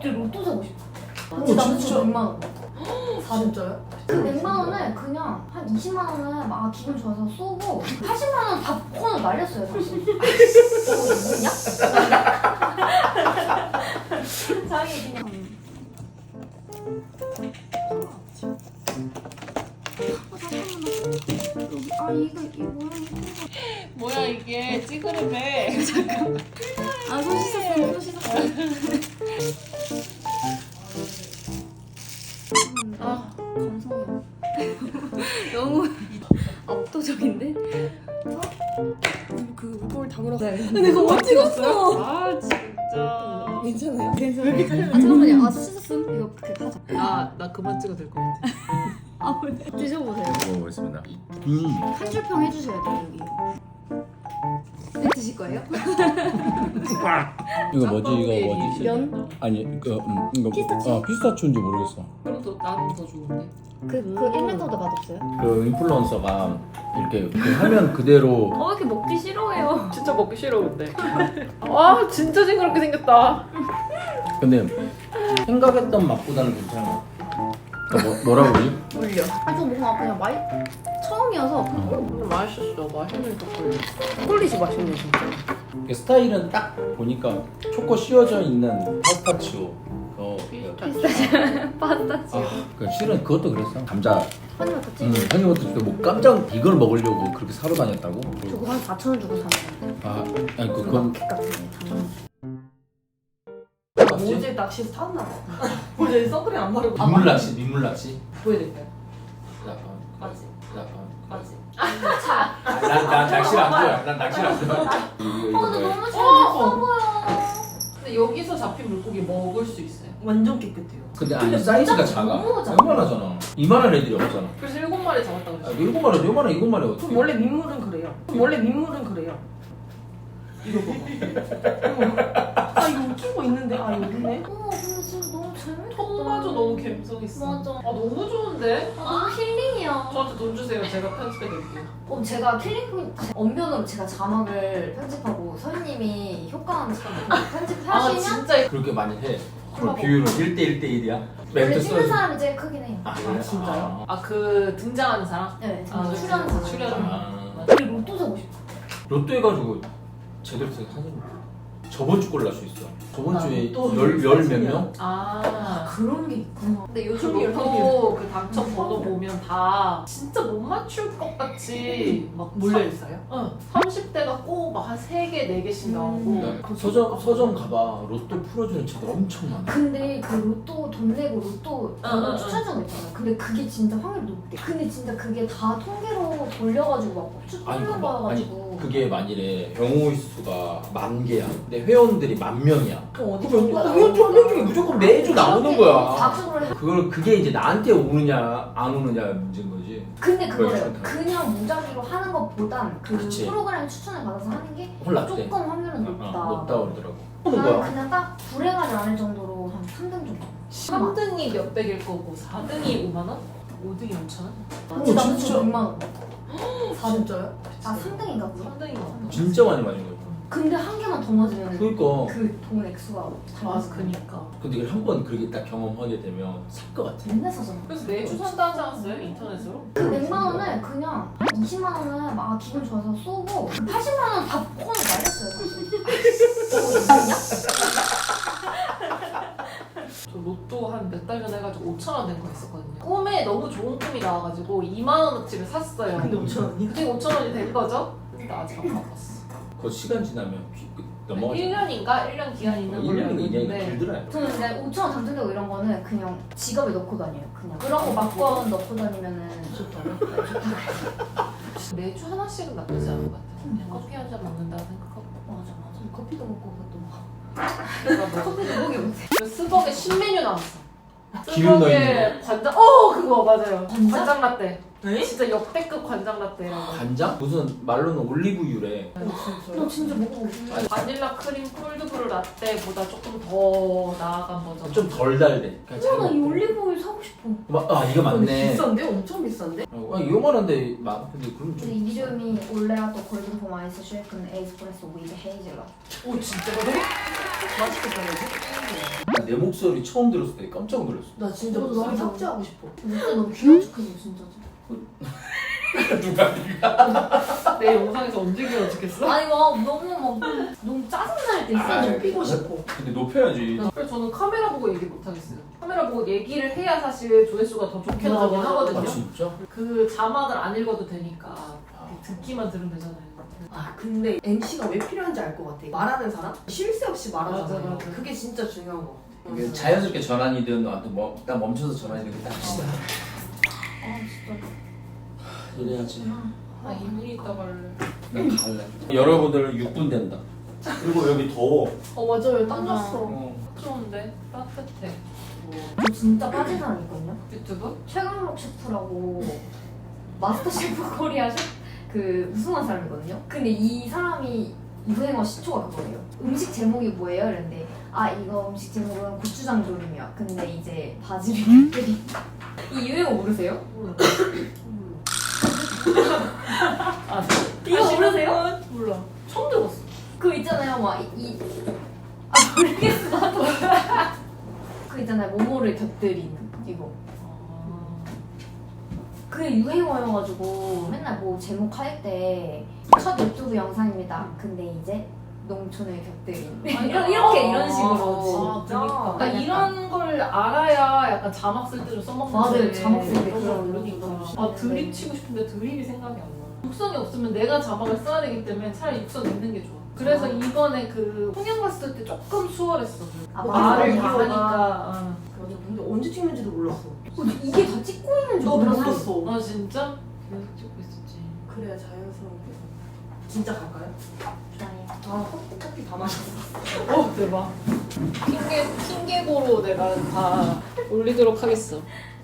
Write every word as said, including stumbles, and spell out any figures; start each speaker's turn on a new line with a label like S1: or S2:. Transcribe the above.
S1: 로또 사고 싶어.
S2: 오,
S1: 진짜 나는
S2: 진짜?
S1: 백만 원.
S2: 진짜요?
S1: 그 백만 원을 그냥 한 이십만 원은 막 기분 좋아서 쏘고 팔십만 원 다 폰을 날렸어요 사실. 어, 뭐냐? 자기 그냥 아 이거 이 모양이
S3: 뭐야 이게 찌그레매.
S1: 아손 씻었어요 손 씻었어요.
S3: 아
S1: 감성이야. 너무 압도적인데?
S2: 그 거울 다 물었어요.
S1: 근데 그거 못 찍었어.
S3: 아 진짜.
S2: 괜찮아요?
S1: 괜찮아요. 아 잠깐만요. 아 씻었음? 이거 그 하자.
S3: 나나 그만 찍어도 될 것 같아.
S1: 아 왜? 드셔보세요.
S4: 먹어보겠습니다. 음.
S1: 한 줄 평 해주셔야 돼요 여기. 네 드실 거예요?
S4: 이거 뭐지? 이거 뭐지?
S1: 면?
S4: 아니 이거 음, 이거
S1: 피스타치오?
S4: 어, 피스타치오인지 모르겠어.
S3: 그럼 더 나는 더 좋은데.
S1: 그, 그 일 미터보다 맛없어요?
S4: 그 인플루언서가 이렇게 그 화면 그대로
S1: 어, 왜 이렇게 먹기 싫어해요?
S3: 진짜 먹기 싫어 근데. 아 진짜 징그럽게 생겼다.
S4: 근데 생각했던 맛보다는 괜찮아. 그러니까 뭐, 뭐라고 그러지?
S1: 물려. 아, 저 뭔가 그냥 많이 처음이어서
S3: 음, 맛있었어. 맛있는 초콜릿. 초콜릿이 맛있네 진짜.
S4: 이게 스타일은 딱 보니까 초코 씌워져 있는 파스타치오. 어,
S1: 파스타치오.
S4: 아, 그 실은 그것도 그랬어. 감자.
S1: 허니버터
S4: 음,
S1: 찌개.
S4: 한이버터 뭐 깜짝 이걸 먹으려고 그렇게 사러 다녔다고?
S1: 저거 한 사천 원 주고 샀는데.
S4: 아, 아니 그
S1: 그
S4: 그건
S1: 마켓 같은 데 담은.
S3: 어제 낚시에서 탔나 봐. 어제 선크림 안 바르고.
S4: 민물 낚시, 민물 낚시.
S3: 보여드릴까요?
S4: 약간
S3: 맞지?
S4: 약간.
S3: 맞지?
S4: 난, 난 낚시를 안 좋아해. 난 낚시를 안 좋아해.
S1: 아, 근데 너무
S3: 어!
S1: 재밌어 보여.
S3: 근데 여기서 잡힌 물고기 먹을 수 있어요. 완전 깨끗해요.
S4: 근데 아니 사이즈가 작아.
S1: 너무 작아.
S4: 요만하잖아. 이만한 애들이 없잖아.
S3: 그래서 일곱 마리 잡았다고
S4: 아,
S3: 그랬어.
S4: 일곱 마리, 요만한 일곱 마리 어떻게?
S3: 그럼 원래 민물은 그래요. 그럼 원래 민물은 그래요. 이거 봐봐. 어머. 아 이거 웃긴 거 있는데 아 여기 있네.
S1: 어, 근데 진짜 너무 재밌어.
S3: 턱마저 너무 감성 있어.
S1: 맞아.
S3: 아 너무 좋은데?
S1: 아, 너무 힐링이야.
S3: 저한테 돈 주세요. 제가 편집해 드릴게요.
S1: 어, 제가 킬링 포인트 언변으로 제가 자막을 편집하고 서현님이 효과음
S3: 아
S1: 편집하시면
S3: 진짜
S4: 그렇게 많이 해. 그럼 비율은 일 대 일 대 일이야?
S1: 원래
S4: 멘트
S1: 찍는
S4: 써야지.
S1: 사람이 제일 크긴 해요.
S4: 아,
S3: 아 진짜요? 아 그 등장하는 사람?
S1: 네,
S3: 아,
S1: 아,
S3: 그치.
S1: 출연한 사람.
S3: 출연.
S4: 아,
S1: 우리 로또 사고 싶어.
S4: 로또 해가지고 제대로 사진 저번 주 걸로 날 수 있어. 저번
S3: 아,
S4: 주에
S3: 또
S4: 열열 몇 명?
S3: 아
S1: 그런 게 있구나.
S3: 근데 요즘
S1: 그게
S3: 로또 그 당첨 번호 보면 다 진짜 못 맞출 것 같이 막 몰려 있어요. 응. 삼십 대가 꼭 막 한 세 개, 네 개씩 나오고.
S1: 음.
S4: 그 서점 서점 가봐. 로또 풀어주는 책들 엄청 많아.
S1: 근데 그 로또 돈 내고 로또
S3: 응, 응, 응.
S1: 추천전 있잖아요. 근데 그게 진짜 확률이 높대. 근데 진짜 그게 다 통계로 돌려가지고 막
S4: 아니, 그,
S1: 추천해봐가지고.
S4: 아니 그게 만일에 경우 수가 만 개야. 근데 회원들이 만 명이야.
S3: 그럼 어디
S4: 그러면
S3: 가
S4: 회원 천 명 중에 무조건 매주 나오는 거야.
S1: 박수를 해.
S4: 그걸 그게 이제 나한테 오느냐 안 오느냐 문제인 거지.
S1: 근데 그거래요.
S4: 그렇죠.
S1: 그냥 무작위로 하는 것보단 그
S4: 그치.
S1: 프로그램 추천을 받아서 하는 게
S4: 홀랐대.
S1: 조금 확률은 높다.
S4: 어, 높다 그러더라고. 하는
S1: 나는
S4: 거야.
S1: 그냥 딱 불행하지 않을 정도로 한 삼 등 정도.
S3: 삼 등이 몇백일 거고 사 등이 오만 원? 오 등이 오천 원?
S1: 근데
S4: 오,
S1: 나는
S4: 진짜?
S1: 진짜 백만 원. 사 등.
S3: 진짜요?
S1: 아 삼 등인가 보다.
S3: 삼 등이 많다.
S4: 진짜 많이 맞은 거야.
S1: 근데 한 개만 더 맞으면
S4: 그러니까.
S1: 그 돈 액수가
S3: 맞아 그니까.
S4: 근데 이걸 한 번 그렇게 딱 경험하게 되면 살 것 같아.
S1: 맨날 사잖아.
S3: 그래서 매주 산다 하지 않았어요? 인터넷으로?
S1: 그 백만 원을 그냥 한 이십만 원은 막 기분 좋아서 쏘고 그 팔십만 원 다 폰을 날렸어요 사실. 어, 뭐냐?
S3: 저 로또 한 몇 달 전에 해가지고 오천 원 된 거 있었거든요. 꿈에 너무 좋은 꿈이 나와가지고 이만 원어치를 샀어요.
S2: 근데 오천 원이요?
S3: 그게 오천 원이 된 거죠? 근데 아직 안 갚았어.
S4: 그 시간 지나면 피- 그 넘어가지.
S3: 일 년인가? 일 년 기간 있는 걸로
S4: 일
S3: 알고
S4: 년이 그냥
S3: 있는데
S4: 길더라.
S1: 저는 근데 오천 원 당첨되고 이런 거는 그냥 지갑에 넣고 다녀요. 그냥 그런 거 막건 넣고 다니면은 좋다고. 네, 좋다고.
S3: 매주 하나씩은 나쁘지 않은 것 같아요. 그냥 커피 한 잔 먹는다고 생각하고.
S1: 맞아 맞아. 커피도 먹고 그것도 먹고.
S3: 그러니까 뭐
S1: 커피도 먹이 못해.
S3: 그 스벅에 신메뉴 나왔어.
S4: 기름 넣어 있는
S3: 스벅에 관장, 어 그거 맞아요.
S1: 관장?
S3: 관장 라떼.
S2: 에?
S3: 진짜 역대급 관장 라떼라고.
S4: 간장? 무슨 말로는 올리브유래.
S1: 나 진짜 먹어보고 싶어.
S4: 아니,
S3: 바닐라 크림 콜드브루 라떼보다 조금 더 나아간 버전.
S4: 좀 덜 달대. 그냥 잘
S1: 어, 나이
S4: 먹고.
S1: 올리브오일 사고 싶어.
S4: 마- 아 이거
S2: 근데
S4: 맞네.
S2: 비싼데? 엄청 비싼데?
S4: 아 이거만한데 막 근데 그럼
S1: 근데
S4: 좀
S1: 이름이 올레아토 골든 폼 아이스 쉐이크는 에스프레소 위드 헤이즐넛.
S3: 오 진짜
S2: 맛있겠다 그지?
S4: 나 내 목소리 처음 들었을 때 깜짝 놀랐어.
S2: 나 진짜
S1: 저도
S2: 목소리
S1: 너무
S2: 삭제하고 싶어.
S1: 진짜 너무 귀여운 척해줘 진짜.
S4: 누가 누가?
S3: 내 영상에서 언제 기어죽겠어?
S1: 아니 막 너무 막 너무 짜증날 때 있어.
S4: 아,
S2: 높이고 싶어.
S4: 근데 높여야지.
S3: 그래서 저는 카메라 보고 얘기 못 하겠어요. 카메라 보고 얘기를 해야 사실 조회수가 더 좋게
S2: 맞아,
S3: 나오긴
S2: 맞아.
S3: 하거든요.
S4: 아 진짜?
S3: 그 자막을 안 읽어도 되니까 듣기만 들으면 되잖아요.
S2: 아 근데 엠씨가 왜 필요한지 알 것 같아. 말하는 사람? 쉴 새 없이 말하잖아요.
S3: 맞아, 맞아.
S2: 그게 진짜 중요한 거 같아.
S4: 이게 자연스럽게 전환이든 나한테 뭐 딱 멈춰서 전환이든 딱 합시다.
S1: 아 진짜.
S4: 이래야지.
S3: 아 이분이 있다고 할래.
S4: 난 갈래. 여러분들 육 분 된다. 그리고 여기 더워.
S2: 어 맞아요. 땀 났어.
S4: 어.
S3: 좋은데 따뜻해.
S1: 저 진짜 빠진 사람 있거든요.
S3: 유튜브?
S1: 최강록 셰프라고 마스터 셰프 코리아 셰프 그 우승한 사람이거든요. 근데 이 사람이 유행어 시초가 그거예요. 음식 제목이 뭐예요? 이랬는데 아 이거 음식 제목은 고추장 조림이야. 근데 이제 바지를 곁들이 이 유행어 모르세요?
S3: 몰라. 아
S1: 이거 모르세요?
S3: 몰라. 처음 들었어.
S1: 그 있잖아요 막이아 모르겠어 나도 그 있잖아요 모모를 곁들이는 이거 그게 유행어여가지고 맨날 뭐 제목 할 때 첫 유튜브 영상입니다. 근데 이제 농촌을 곁들인 이런 이렇게 이런 식으로
S3: 아,
S1: 진짜
S3: 그러니까. 그러니까 이런 걸 알아야 약간 자막 쓸 때 좀 써먹는데
S1: 맞아요, 자막 쓸때
S3: 그런 걸
S1: 그런
S3: 모르니까
S1: 거
S3: 아
S1: 좀
S3: 드립 치고 싶은데 드립이 생각이 안 나. 육성이 없으면 내가 자막을 써야 되기 때문에 차라리 육성 있는 게 좋아. 그래서
S1: 아.
S3: 이번에 그 홍영 갔을 때 조금 수월했어.
S1: 아,
S3: 말을
S1: 맞아, 맞아.
S3: 이용하니까.
S2: 맞아. 근데 언제 찍는지도 몰랐어.
S1: 어, 이게 다 찍고 있는 줄
S2: 너
S1: 몰랐어.
S2: 몰랐어.
S3: 아 진짜? 계속 찍고 있었지.
S2: 그래야 자연스럽게. 진짜 갈까요?
S1: 좋아요.
S2: 아 커피, 커피 다 마셨어.
S3: 어 대박. 핑계 핑계고로 내가 다 올리도록 하겠어.